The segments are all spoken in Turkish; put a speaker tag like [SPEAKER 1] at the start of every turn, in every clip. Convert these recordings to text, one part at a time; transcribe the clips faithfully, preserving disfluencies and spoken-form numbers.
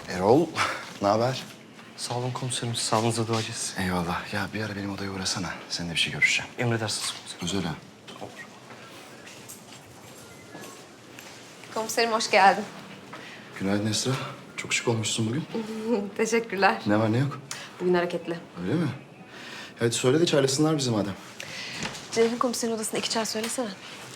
[SPEAKER 1] Erol, ne haber?
[SPEAKER 2] Sağ olun komiserim, sağlığınıza duacağız.
[SPEAKER 1] Eyvallah. Ya bir ara benim odaya uğrasana. Seninle bir şey görüşeceğim.
[SPEAKER 2] Emredersiniz komiserim.
[SPEAKER 1] Özel ha.
[SPEAKER 3] Komiserim hoş geldin.
[SPEAKER 1] Günaydın Esra. Çok şık olmuşsun bugün.
[SPEAKER 3] Teşekkürler.
[SPEAKER 1] Ne var ne yok?
[SPEAKER 3] Bugün hareketli.
[SPEAKER 1] Öyle mi? Hadi söyle de çağırsınlar bizi madem.
[SPEAKER 3] Ceyhun komiserin odasına iki çay söylesene.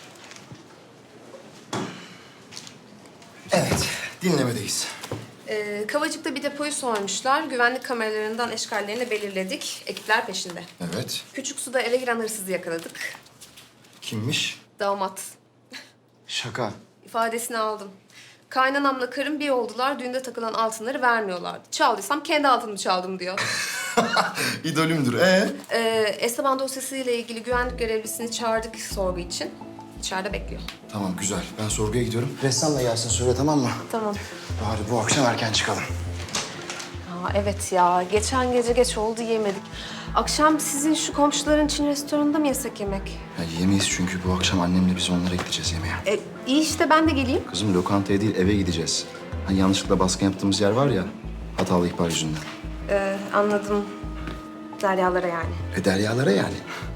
[SPEAKER 1] Evet, dinlemedeyiz.
[SPEAKER 3] Ee, Kavacık'ta bir depoyu soymuşlar. Güvenlik kameralarından eşkallerini belirledik. Ekipler peşinde.
[SPEAKER 1] Evet.
[SPEAKER 3] Küçük suda eve giren hırsızı yakaladık.
[SPEAKER 1] Kimmiş?
[SPEAKER 3] Damat.
[SPEAKER 1] Şaka.
[SPEAKER 3] İfadesini aldım. Kaynanamla karım bir oldular. Düğünde takılan altınları vermiyorlardı. Çaldıysam kendi altınımı çaldım diyor.
[SPEAKER 1] İdolümdür. Ee?
[SPEAKER 3] Ee, Esteban dosyasıyla ilgili güvenlik görevlisini çağırdık sorgu için. İçeride bekliyor.
[SPEAKER 1] Tamam, güzel. Ben sorguya gidiyorum. Ressam da gelsin söyle, tamam mı?
[SPEAKER 3] Tamam.
[SPEAKER 1] Bari bu akşam erken çıkalım.
[SPEAKER 3] Aa, evet ya. Geçen gece geç oldu yemedik. Akşam sizin şu komşuların Çin restoranında mı yesek yemek?
[SPEAKER 1] Ya yemeyiz çünkü bu akşam annemle biz onlara gideceğiz yemeğe.
[SPEAKER 3] E, iyi işte ben de geleyim.
[SPEAKER 1] Kızım lokantaya değil eve gideceğiz. Hani yanlışlıkla baskın yaptığımız yer var ya, hatalı ihbar yüzünden.
[SPEAKER 3] Ee, anladım. Deryalara yani.
[SPEAKER 1] E deryalara yani.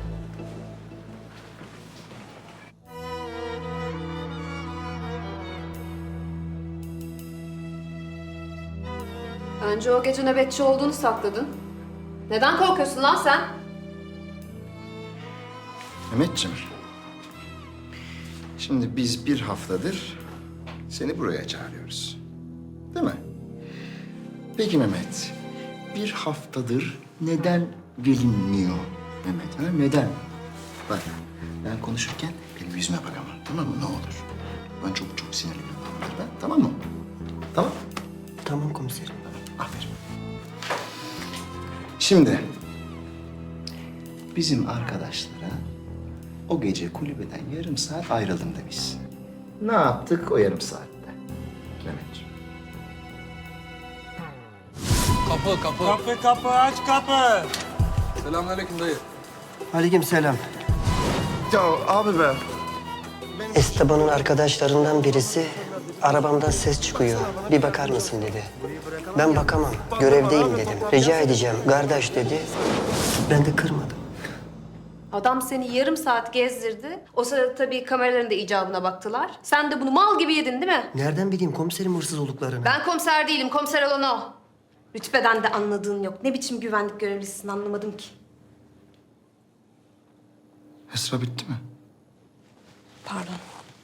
[SPEAKER 3] Önce o gece nöbetçi olduğunu sakladın. Neden korkuyorsun lan sen?
[SPEAKER 1] Mehmetciğim. Şimdi biz bir haftadır seni buraya çağırıyoruz. Değil mi? Peki Mehmet, bir haftadır neden gelinmiyor Mehmet? Ha? Neden? Bak, ben konuşurken benim yüzüme bak ama, tamam mı? Ne olur. Ben çok çok sinirleniyorum ben, tamam mı? Tamam.
[SPEAKER 4] Tamam komiserim.
[SPEAKER 1] Aferin. Şimdi bizim arkadaşlara o gece kulübeden yarım saat ayrıldım demişsin. Ne yaptık o yarım saatte? Mehmetciğim.
[SPEAKER 5] Kapı, kapı.
[SPEAKER 6] Kapı kapı aç kapı.
[SPEAKER 5] Selamünaleyküm dayı.
[SPEAKER 4] Aleyküm selam.
[SPEAKER 1] Ya abi be.
[SPEAKER 4] Esteban'ın arkadaşlarından birisi arabamdan ses çıkıyor. Bir bakar mısın dedi. Ben bakamam. Görevdeyim dedim. Rica edeceğim. Kardeş dedi. Ben de kırmadım.
[SPEAKER 3] Adam seni yarım saat gezdirdi. O sırada tabii kameraların da icabına baktılar. Sen de bunu mal gibi yedin değil mi?
[SPEAKER 4] Nereden bileyim komiserim hırsız olduklarını?
[SPEAKER 3] Ben komiser değilim, komiser olan o. Rütbeden de anladığın yok. Ne biçim güvenlik görevlisisin anlamadım ki.
[SPEAKER 1] Esra bitti mi?
[SPEAKER 3] Pardon.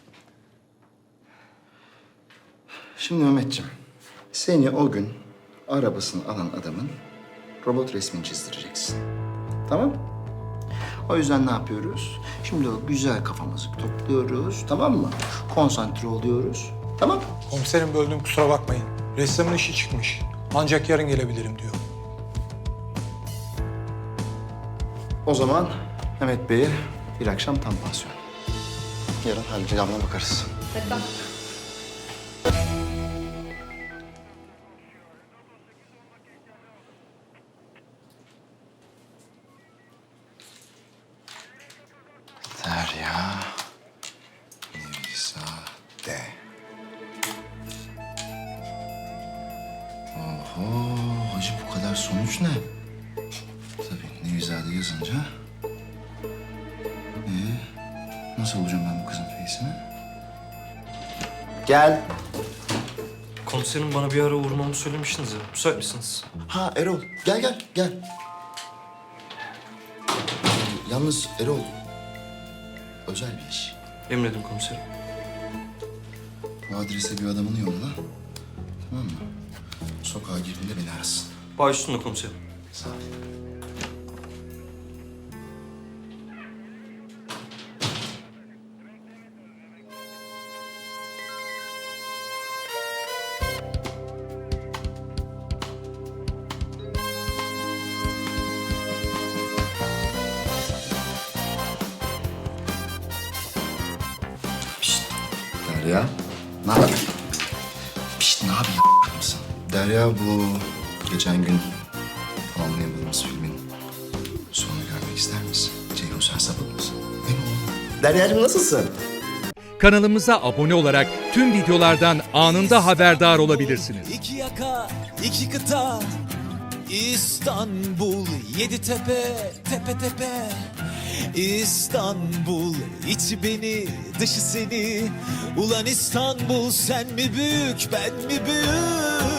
[SPEAKER 1] Şimdi Mehmetciğim, seni o gün arabasını alan adamın robot resmini çizdireceksin. Tamam? O yüzden ne yapıyoruz? Şimdi o güzel kafamızı topluyoruz, tamam mı? Konsantre oluyoruz, tamam?
[SPEAKER 6] Komiserim böldüm kusura bakmayın. Ressamın işi çıkmış. Ancak yarın gelebilirim diyor.
[SPEAKER 1] O zaman Mehmet Bey'e bir akşam tam pansiyon. Yarın halledeceğimine bakarız.
[SPEAKER 3] Hadi bak.
[SPEAKER 1] Derya, Nevzade. Oho, hacı bu kadar sonuç ne? Tabii Nevzade yazınca... Ee, nasıl bulacağım ben bu kızın face'ini? Gel.
[SPEAKER 2] Komiserim bana bir ara uğramamı söylemiştiniz ya. Müsait misiniz?
[SPEAKER 1] Ha Erol, gel gel gel. Yalnız Erol, özel bir iş.
[SPEAKER 2] Emredin komiserim.
[SPEAKER 1] Bu adrese bir adamını yolla. Tamam mı? Sokağa girdiğinde beni arasın.
[SPEAKER 2] Baş üstünde komiserim.
[SPEAKER 1] Sağ ol. Pişt. Derya, ne haber? Pişt, ne yapayım mısın? Derya bu geçen gün tamamlayamadığımız filmin sonunu görmek ister misin? Ceyhun sen sapık mısın? Değil mi oğlum? Derya'cığım nasılsın?
[SPEAKER 7] Kanalımıza abone olarak tüm videolardan anında haberdar olabilirsiniz.
[SPEAKER 8] İki yaka, iki kıta, İstanbul, yedi tepe, tepe tepe. İstanbul, içi beni, dışı seni. Ulan İstanbul, sen mi büyük, ben mi büyük?